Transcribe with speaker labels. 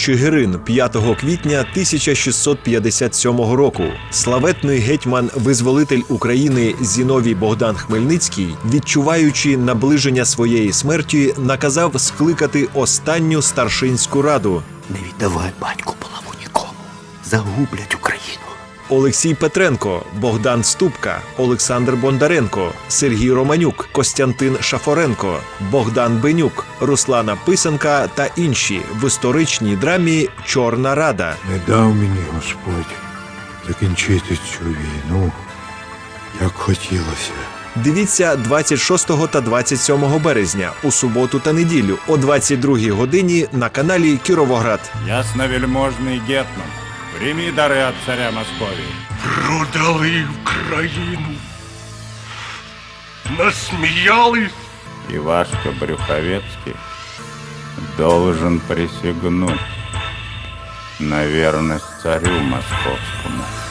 Speaker 1: Чигирин 5 квітня 1657 року. Славетний гетьман-визволитель України Зіновій Богдан Хмельницький, відчуваючи наближення своєї смерті, наказав скликати останню старшинську раду.
Speaker 2: Не віддавай, батьку, булаву нікому. Загублять Україну.
Speaker 1: Олексій Петренко, Богдан Ступка, Олександр Бондаренко, Сергій Романюк, Костянтин Шафоренко, Богдан Бенюк, Руслана Писанка та інші в історичній драмі «Чорна Рада».
Speaker 3: Не дав мені Господь закінчити цю війну, як хотілося.
Speaker 1: Дивіться 26 та 27 березня у суботу та неділю о 22-й годині на каналі Кіровоград.
Speaker 4: Ясновельможний гетман, прийми дари від царя Московії.
Speaker 5: Продали Україну. Насміялись.
Speaker 4: Ивашка Брюховецкий должен присягнуть на верность царю московскому.